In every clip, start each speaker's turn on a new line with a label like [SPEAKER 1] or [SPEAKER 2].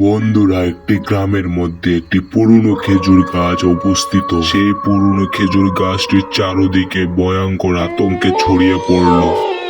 [SPEAKER 1] বন্ধুরা, একটি গ্রামের মধ্যে একটি পুরনো খেজুর গাছ অবস্থিত। সেই পুরনো খেজুর গাছটির চারদিকে ভয়ঙ্কর আতঙ্কে ছড়িয়ে পড়ল।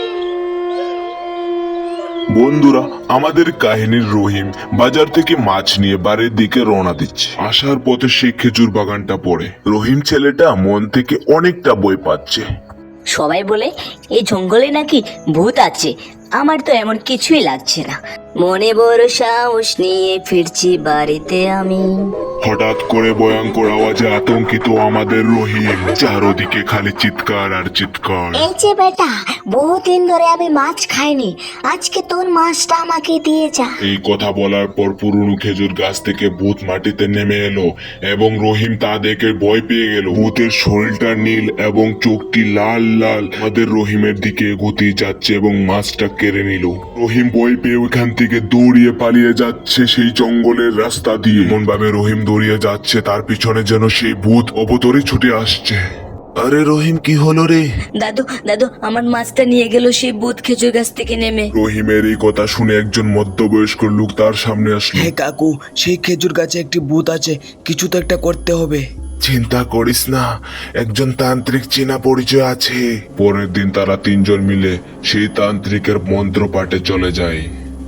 [SPEAKER 1] বন্ধুরা, আমাদের কাহিনীর রহিম বাজার থেকে মাছ নিয়ে বাড়ির দিকে রওনা দিচ্ছে। আসার পথে সেই খেজুর বাগানটা পড়ে। রহিম ছেলেটা মন থেকে অনেকটা ভয় পাচ্ছে।
[SPEAKER 2] সবাই বলে এই জঙ্গলে নাকি ভূত আছে। আমার তো এমন কিছুই লাগছে না। মনে বড় সাহস নিয়ে ফিরছি বাড়িতে আমি।
[SPEAKER 1] হঠাৎ করে ভয়ঙ্কর আওয়াজে আতঙ্কিত আমাদের রহিম। চারদিকে খালি চিৎকার আর চিৎকার।
[SPEAKER 2] এই যে বেটা, বহুদিন ধরে আমি মাছ খাইনি, আজকে তোর মাছটা আমাকে দিয়ে যা।
[SPEAKER 1] এই কথা বলার পর পুরনো খেজুর গাছ থেকে ভূত মাটিতে নেমে এলো এবং রহিম তা দেখে ভয় পেয়ে গেল। ভূতের শরীরটা নীল এবং চোখটি লাল লাল আমাদের রহিমের দিকে এগোতে যাচ্ছে এবং মাছটা কেড়ে নিল। রহিম ভয় পেয়ে ওইখান থেকে দৌড়িয়ে পালিয়ে যাচ্ছে সেই জঙ্গলের রাস্তা দিয়ে। এমন ভাবে রহিম দৌড়িয়ে যাচ্ছে, তার পিছনে যেন সেই ভূত অবতরে ছুটে আসছে। আরে রহিম, কি হলো রে?
[SPEAKER 2] দাদু দাদু, আমার মাছটা নিয়ে গেল সেই ভূত খেজুর গাছ থেকে নেমে।
[SPEAKER 1] রহিমের এই কথা শুনে একজন মধ্যবয়স্ক লোক তার সামনে আসলো।
[SPEAKER 3] হ্যাঁ কাকু, সেই খেজুর গাছে একটি ভূত আছে, কিছু তো একটা করতে হবে।
[SPEAKER 1] চিন্তা করিস না, একজন তান্ত্রিক চেনা পরিচয় আছে। পরের দিন তারা তিনজন মিলে সেই তান্ত্রিকের মন্ত্র পাঠে চলে যায়।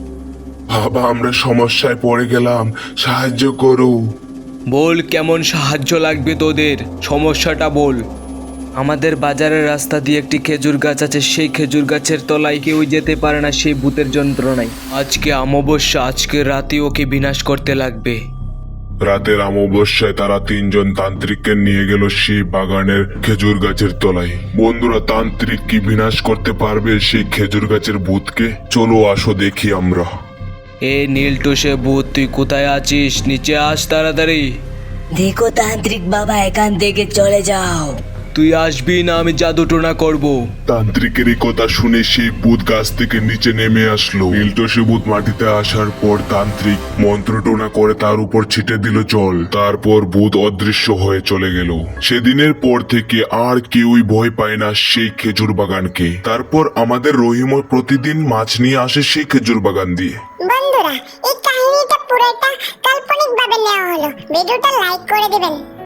[SPEAKER 1] বাবা, আমরা সমস্যায় পড়ে গেলাম, সাহায্য করো।
[SPEAKER 3] বল, কেমন সাহায্য লাগবে তোদের? সমস্যাটা বল। আমাদের বাজারের রাস্তা দিয়ে একটি খেজুর গাছ আছে, সেই খেজুর গাছের তলায় কেউ যেতে পারে না সেই ভূতের যন্ত্রণায়। আজকে অমাবস্যা, আজকে রাতে ওকে বিনাশ করতে লাগবে।
[SPEAKER 1] রাতের অমাবস্যায় তারা তিনজন তান্ত্রিককে নিয়ে গেল সেই বাগানের খেজুর গাছের তলায়। বন্ধুরা, তান্ত্রিক কি বিনাশ করতে পারবে সেই খেজুর গাছের ভূতকে? চলো আসো দেখি আমরা।
[SPEAKER 3] এ নীলটুসে ভূত, তুই কোথায় আছিস? নিচে আস তাড়াতাড়ি।
[SPEAKER 2] দেখো তান্ত্রিক বাবা, এখান থেকে চলে যাও।
[SPEAKER 3] তুই আসবি না, আমি জাদু টোনা করবো।
[SPEAKER 1] তান্ত্রিকের এই কথা শুনে সেই ভূত গাছ থেকে নিচে নেমে আসলো। নীলটসে ভূত মাটিতে আসার পর তান্ত্রিক মন্ত্রটোনা করে তার উপর ছিটে দিল জল। তারপর ভূত অদৃশ্য হয়ে চলে গেল। সেদিনের পর থেকে আর কেউই ভয় পায় না সেই খেজুর বাগানকে। তারপর আমাদের রহিমও প্রতিদিন মাছ নিয়ে আসে সেই খেজুর বাগান দিয়ে।
[SPEAKER 4] বন্ধুরা, এই কাহিনীটা পুরোটা কাল্পনিক ভাবে নেওয়া হলো। ভিডিওটা লাইক করে দিবেন।